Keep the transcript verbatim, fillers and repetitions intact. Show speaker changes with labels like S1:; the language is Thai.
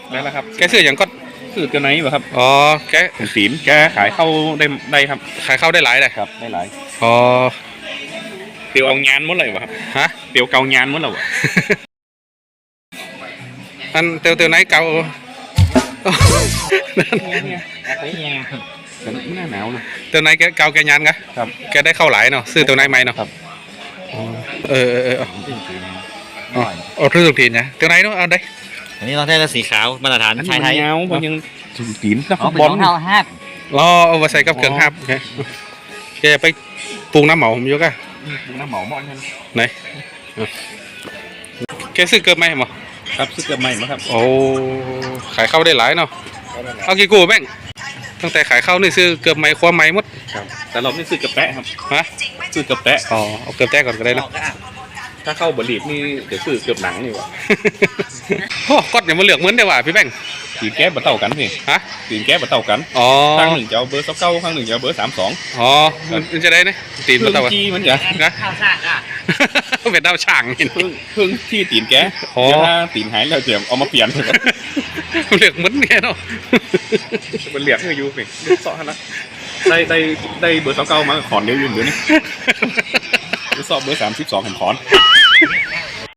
S1: ได้แล้วครับ
S2: แกซื้ออย่างก็
S1: ซื้อกันไหนบ่ครับ
S2: อ๋อแก
S1: ศีลแกขายเข้าได้ได้ครับ
S2: ขายเข้าได้หลายเลย
S1: ครับได้หลาย
S2: อ๋อ
S1: เตียวเอางานหมดเลยบ่ครับ
S2: ฮะ
S1: เตียวเกางานหมดแล้วบ่
S2: อันเตียวเตียวไหนเก่า
S1: ไม่น่าหนาวเลย
S2: เตียวไหนแกเก่าแกยันกะ
S1: ครับ
S2: แกได้เข้าหลายเนาะซื้อเตียวไหนไหมเนาะ
S1: ครับ
S2: เออเออเออโอ้ทุกทุกทีนะเตียวไหนเนาะเอาได้
S3: อันนี้เราได้สีขาวมาตรฐานไทยไทย
S1: เงาบางยังศีลนัก
S3: บอลเท้าฮัก
S2: รอเอามาใส่กับเครื่องฮับแกไปปรุงน้ำหมอผมยกอะ
S1: ปรุงน้ำหมอมอนกัน
S2: ไหนแกซื้อเกินไหมหมอ
S1: ครับซื้อเกินไหมมั้งครับ
S2: โอ้ขายเข้าได้หลายเนาะเอากี่กูแม่งตั้งแต่ขายเข้านี่ซื้อเกือบไม้คว้าไม้หมด
S1: ครับแต่เราไม่ซื้อกับแปะครับ
S2: ฮะ
S1: ซื้อกับแปะ
S2: อ๋อเอาเกือบแต้ก่อนก็ได้เนาะ
S1: ถ้าเข้าบริษนี่เดี๋ยวซื้อเกือบหนังนี่วะ
S2: โอ้ก็อย่ามาเหลือกเหมือนเดียวว่ะพี่แบงค์
S1: ตีนแก้บะเต่ากันพี่
S2: ฮะ
S1: ตีนแก้บะเต่ากัน
S2: อ๋อ
S1: ข้างหนึ่งจะเอาเบอร์สักเก้าข้างหนึ่งจะเอาเบอร์สามสอง
S2: อ๋อมันจะได้นะตีนบะเต่า
S1: จีมันจะ
S2: นะ
S3: ข้าวซ่าอ่ะ
S2: เป็นดาวช่างเห็น
S1: เพิ่งเพิ่งที่ตีนแก้ถ้าตีนหายแล้วเดี๋ยวเอามาเปลี่ยน
S2: เหลือกเหมือนแกเนาะ
S1: มันเหลียกให้ยูพี่เสาะนะได้ได้ได้เบอร์สักเก้ามาขอนเดียวยืนเดี๋ยวนี้สอบเบอร์สามสิบสองเห็นขอน